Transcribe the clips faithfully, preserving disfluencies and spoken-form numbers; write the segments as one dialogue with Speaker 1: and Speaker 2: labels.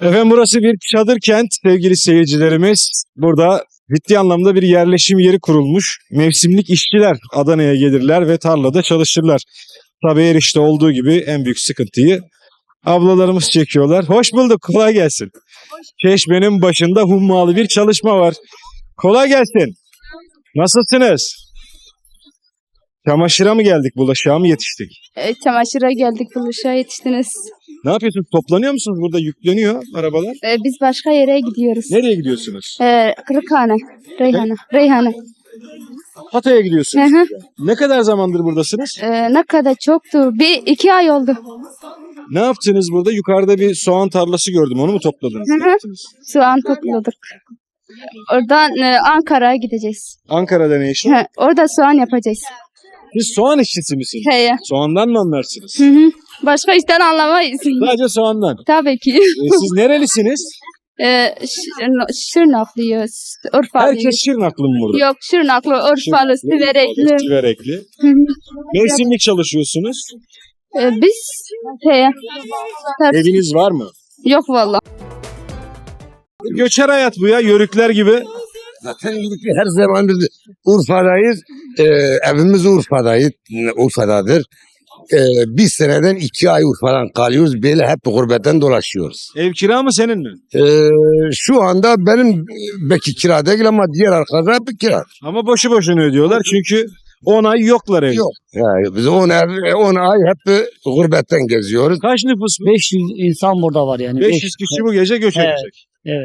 Speaker 1: Efendim burası bir çadır kent sevgili seyircilerimiz. Burada ciddi anlamda bir yerleşim yeri kurulmuş. Mevsimlik işçiler Adana'ya gelirler ve tarlada çalışırlar. Tabii her işte olduğu gibi en büyük sıkıntıyı ablalarımız çekiyorlar. Hoş bulduk, kolay gelsin. Çeşmenin başında hummalı bir çalışma var. Kolay gelsin. Nasılsınız? Çamaşıra mı geldik, bulaşığa mı yetiştik?
Speaker 2: E, çamaşıra geldik, buluşa yetiştiniz.
Speaker 1: Ne yapıyorsunuz? Toplanıyor musunuz? Burada yükleniyor arabalar.
Speaker 2: E, biz başka yere gidiyoruz.
Speaker 1: Nereye gidiyorsunuz?
Speaker 2: E, Kırıkhane, Reyhane, Reyhane.
Speaker 1: Hatay'a
Speaker 2: Hı
Speaker 1: gidiyorsunuz.
Speaker 2: hı.
Speaker 1: Ne kadar zamandır buradasınız?
Speaker 2: E, ne kadar çoktu? Bir iki ay oldu.
Speaker 1: Ne yaptınız burada? Yukarıda bir soğan tarlası gördüm. Onu mu topladınız?
Speaker 2: Hı
Speaker 1: Ne
Speaker 2: hı.
Speaker 1: yaptınız?
Speaker 2: Soğan topladık. Oradan e, Ankara'ya gideceğiz.
Speaker 1: Ankara'da ne iş?
Speaker 2: He, orada soğan yapacağız.
Speaker 1: Siz soğan işçisi misiniz?
Speaker 2: He.
Speaker 1: Soğandan mı anlarsınız?
Speaker 2: Hı hı. Başka işten anlamayız.
Speaker 1: Sadece soğandan.
Speaker 2: Tabii ki.
Speaker 1: E, siz nerelisiniz?
Speaker 2: E, Şır- Şırnaklıyız. Urfalıyız.
Speaker 1: Herkes Şırnaklı mı burada?
Speaker 2: Yok, Şırnaklı, Urfalı, Siverekli.
Speaker 1: Siverekli.
Speaker 2: Hı hı.
Speaker 1: Mevsimlik çalışıyorsunuz.
Speaker 2: E, biz he.
Speaker 1: Eviniz var mı?
Speaker 2: Yok vallahi.
Speaker 1: Göçer hayat bu ya. Yörükler gibi.
Speaker 3: Zaten her zaman biz Urfa'dayız. Ee, evimiz Urfa'dayız. Urfa'dadır. Ee, bir seneden iki ay Urfa'dan kalıyoruz. Böyle hep gurbetten dolaşıyoruz.
Speaker 1: Ev kira mı senin mi?
Speaker 3: Ee, şu anda benim belki kira değil ama diğer arkadaşlar hep kira.
Speaker 1: Ama boşu boşuna ödüyorlar. Çünkü on ay yoklar evde.
Speaker 3: Yok. Yani biz on ay, on ay hep gurbetten geziyoruz.
Speaker 1: Kaç nüfus bu?
Speaker 4: beş yüz insan burada var yani.
Speaker 1: beş yüz kişi bu gece göç
Speaker 4: Evet.
Speaker 1: edecek.
Speaker 4: Evet.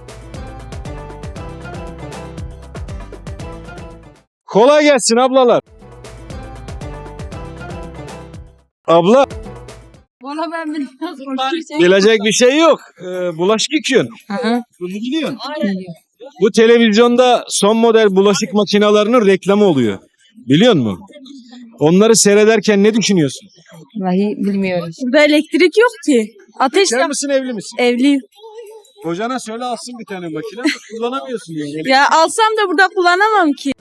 Speaker 1: Kolay gelsin ablalar. Abla
Speaker 2: Valla ben bilmiyorum.
Speaker 1: bilecek bir şey yok. Ee, bulaşık yıkıyorsun. Bunu biliyorsun. Bu televizyonda son model bulaşık makinelerinin reklamı oluyor. Biliyor musun? Onları seyrederken ne düşünüyorsun?
Speaker 5: Vallahi bilmiyoruz.
Speaker 6: Burada elektrik yok ki. Ateş
Speaker 1: Bekar mısın evli misin?
Speaker 6: evliyim.
Speaker 1: Kocana söyle alsın bir tane makine. Kullanamıyorsun diyor.
Speaker 6: Ya alsam da burada kullanamam ki.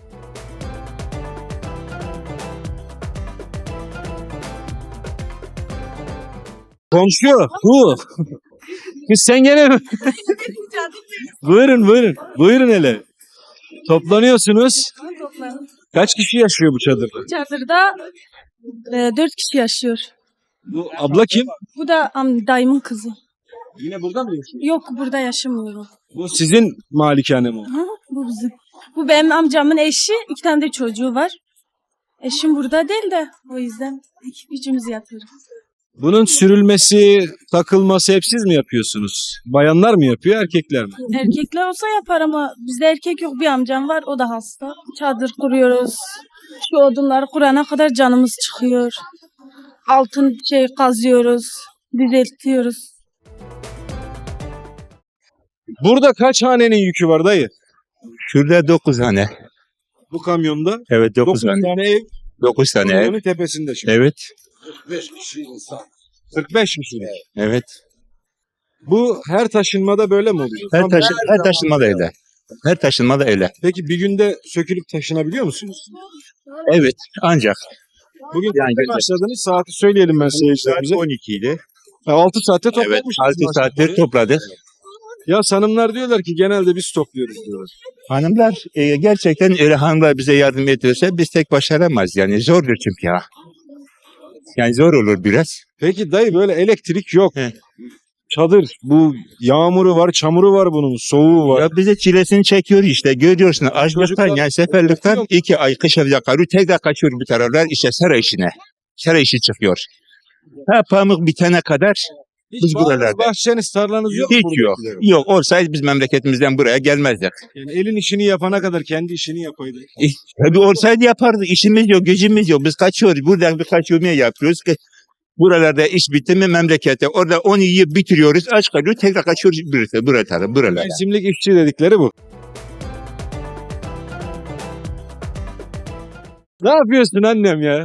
Speaker 1: Komşu. Bu. Kız sen gene mi? Buyurun buyurun. Buyurun hele. Toplanıyorsunuz. Kaç kişi yaşıyor bu çadırda?
Speaker 6: Çadırda e, dört kişi yaşıyor.
Speaker 1: Bu abla kim?
Speaker 6: Bu da am, dayımın kızı.
Speaker 1: Yine burada mı yaşıyor?
Speaker 6: Yok burada yaşamıyor.
Speaker 1: Bu sizin malikane mi?
Speaker 6: Ha, bu bizim. Bu benim amcamın eşi. İki tane de çocuğu var. Eşim burada değil de o yüzden iki, üçümüz yatıyoruz.
Speaker 1: Bunun sürülmesi, takılması hep siz mi yapıyorsunuz? Bayanlar mı yapıyor, erkekler mi?
Speaker 6: Erkekler olsa yapar ama bizde erkek yok. Bir amcam var, o da hasta. Çadır kuruyoruz. Şu odunları kurana kadar canımız çıkıyor. Altın şey kazıyoruz, düzeltiyoruz.
Speaker 1: Burada kaç hanenin yükü var dayı?
Speaker 7: Şurada dokuz tane.
Speaker 1: Bu kamyonda
Speaker 7: Evet dokuz
Speaker 1: dokuz
Speaker 7: tane.
Speaker 1: tane ev,
Speaker 7: Dokuz tane ev.
Speaker 1: kamyonun tepesinde şimdi.
Speaker 7: Evet.
Speaker 1: kırk beş kişi insan. kırk beş kişi.
Speaker 7: Evet.
Speaker 1: Bu her taşınmada böyle mi oluyor?
Speaker 7: Her,
Speaker 1: Tam-
Speaker 7: taşı, her taşınma da öyle. Her taşınma da öyle.
Speaker 1: Peki bir günde sökülüp taşınabiliyor musunuz?
Speaker 7: Evet. Ancak.
Speaker 1: Bugün
Speaker 7: Yani
Speaker 1: kaçta
Speaker 7: gece-
Speaker 1: başladınız? Saati söyleyelim ben seyircilerimize.
Speaker 7: on iki idi.
Speaker 1: altı saatte
Speaker 7: Evet.
Speaker 1: toplamışsınız.
Speaker 7: altı saattir topladık.
Speaker 1: Ya hanımlar diyorlar ki genelde biz topluyoruz diyorlar.
Speaker 7: Hanımlar e, gerçekten öyle hanımlar bize yardım ediyorsa biz tek başaramayız. Yani zordur çünkü ya. Yani zor olur biraz.
Speaker 1: Peki dayı böyle elektrik yok.
Speaker 7: He.
Speaker 1: Çadır bu yağmuru var, çamuru var bunun, soğuğu var.
Speaker 7: Ya bize çilesini çekiyor işte. Görüyorsun açlıktan
Speaker 1: Çocuklar-
Speaker 7: yani seferlikten iki ay kışa yakarıyor. Tekrar kaçıyor bu taraflar işte saray işine. Saray işi çıkıyor. Ha pamuk bitene kadar
Speaker 1: Hiç
Speaker 7: biz
Speaker 1: bağınız,
Speaker 7: buralarda.
Speaker 1: bahçeniz, tarlanız yok mu
Speaker 7: hiç yok.
Speaker 1: buradakilerin?
Speaker 7: Yok olsaydı biz memleketimizden buraya gelmezdik.
Speaker 1: Yani elin işini yapana kadar kendi işini yapaydı.
Speaker 7: E, tabii olsaydı yapardık. İşimiz yok, gücümüz yok. Biz kaçıyoruz. Buradan birkaç yılmaya yapıyoruz ki buralarda iş bitti mi memlekete. Orada onu yiyip bitiriyoruz. Aç kalıyor. Tekrar kaçıyoruz buraya, buraya, buralara.
Speaker 1: Mevsimlik işçi dedikleri bu. Ne yapıyorsun annem ya?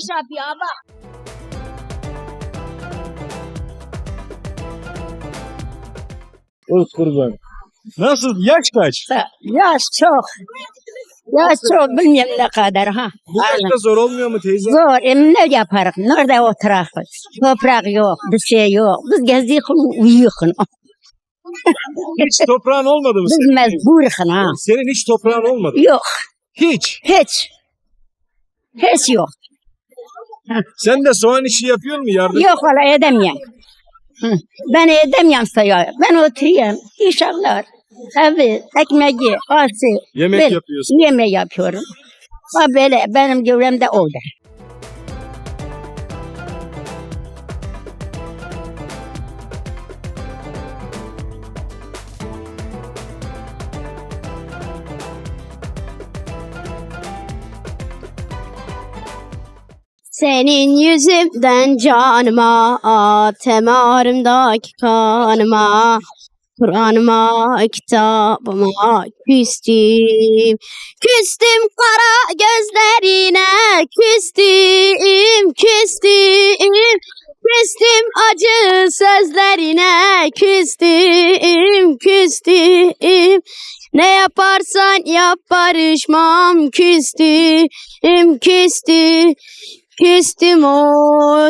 Speaker 1: Öz kurban. Nasıl? Yaş kaç?
Speaker 5: Yaş çok. Yaş çok bilmiyorum ne kadar ha.
Speaker 1: Bu yaşta zor olmuyor mu teyze?
Speaker 5: Zor. Em ne yaparız? Nerede oturakız? Toprak yok, bir şey yok. Biz gezdik uyuyuk.
Speaker 1: Hiç toprağın olmadı mı
Speaker 5: Biz
Speaker 1: senin?
Speaker 5: mecburuz ha.
Speaker 1: Senin hiç toprağın olmadı.
Speaker 5: Yok.
Speaker 1: Hiç.
Speaker 5: Hiç. Hiç yok.
Speaker 1: Sen de soğan işi yapıyor mu yardım?
Speaker 5: Yok valla edemiyorum. Hı. Ben edemiyorum sayıyor. Ben oturuyorum. İnşallah. Evet. Ekmeği, ası.
Speaker 1: Yemek
Speaker 5: Böyle
Speaker 1: yapıyorsun.
Speaker 5: Yemeği yapıyorum. Ha böyle benim görevim de oldu.
Speaker 8: Senin yüzünden canıma, temarımdaki kanıma, Kur'an'ıma, kitabıma küstüm. Küstüm kara gözlerine, küstüm, küstüm. Küstüm acı sözlerine, küstüm, küstüm. Ne yaparsan yap barışmam, küstüm, küstüm. Küstüm o.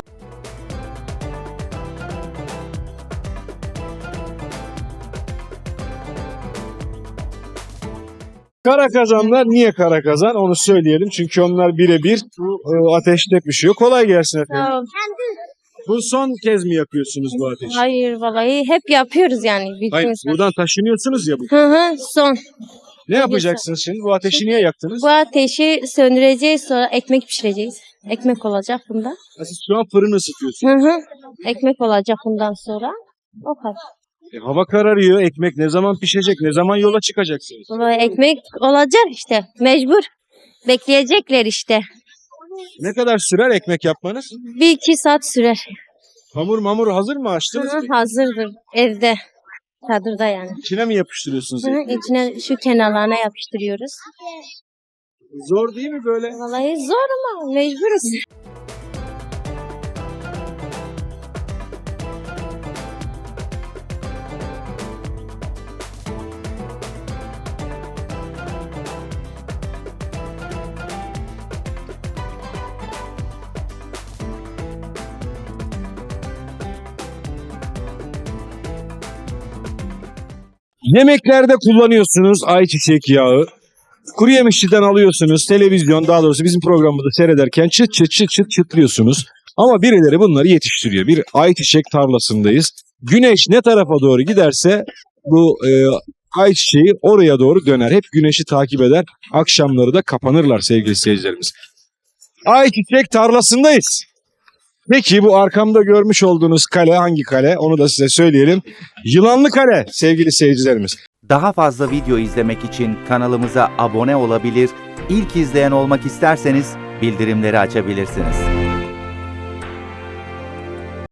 Speaker 1: Kara kazanlar niye kara kazan onu söyleyelim. Çünkü onlar birebir e, ateşte pişiyor. Kolay gelsin efendim. Bu son kez mi yapıyorsunuz bu ateşi?
Speaker 9: Hayır vallahi hep yapıyoruz yani.
Speaker 1: Hayır,
Speaker 9: bildiğiniz gibi.
Speaker 1: buradan taşınıyorsunuz ya bu.
Speaker 9: Hı hı son.
Speaker 1: Ne yapacaksınız şimdi? Bu ateşi niye yaktınız?
Speaker 9: Bu ateşi söndüreceğiz sonra ekmek pişireceğiz. Ekmek olacak bunda.
Speaker 1: Ha, Siz şu an fırını ısıtıyorsunuz.
Speaker 9: Hı hı. Ekmek olacak bundan sonra. O kadar.
Speaker 1: E, hava kararıyor. Ekmek ne zaman pişecek? Ne zaman yola çıkacaksınız?
Speaker 9: Vallahi ekmek olacak işte. Mecbur. Bekleyecekler işte.
Speaker 1: Ne kadar sürer ekmek yapmanız?
Speaker 9: Bir iki saat sürer.
Speaker 1: Hamur mamur hazır mı?
Speaker 9: Hı
Speaker 1: Açtınız
Speaker 9: hı,
Speaker 1: mı?
Speaker 9: hazırdır. Evde. Çadırda yani.
Speaker 1: İçine mi yapıştırıyorsunuz?
Speaker 9: Hı hı,
Speaker 1: ekmeği?
Speaker 9: içine şu kenarlarına yapıştırıyoruz.
Speaker 1: Zor değil mi böyle?
Speaker 9: Vallahi zor ama mecburuz.
Speaker 1: Yemeklerde kullanıyorsunuz ayçiçek yağı. Kuru yemişçiden alıyorsunuz. Televizyon daha doğrusu bizim programımızı seyrederken çıt çıt çıt çıt çıtlıyorsunuz. Ama birileri bunları yetiştiriyor. Bir ayçiçek tarlasındayız. Güneş ne tarafa doğru giderse bu e, ayçiçeği oraya doğru döner. Hep güneşi takip eder. Akşamları da kapanırlar sevgili seyircilerimiz. Ayçiçek tarlasındayız. Peki bu arkamda görmüş olduğunuz kale hangi kale? Onu da size söyleyelim. Yılanlı Kale sevgili seyircilerimiz.
Speaker 10: Daha fazla video izlemek için kanalımıza abone olabilir, ilk izleyen olmak isterseniz bildirimleri açabilirsiniz.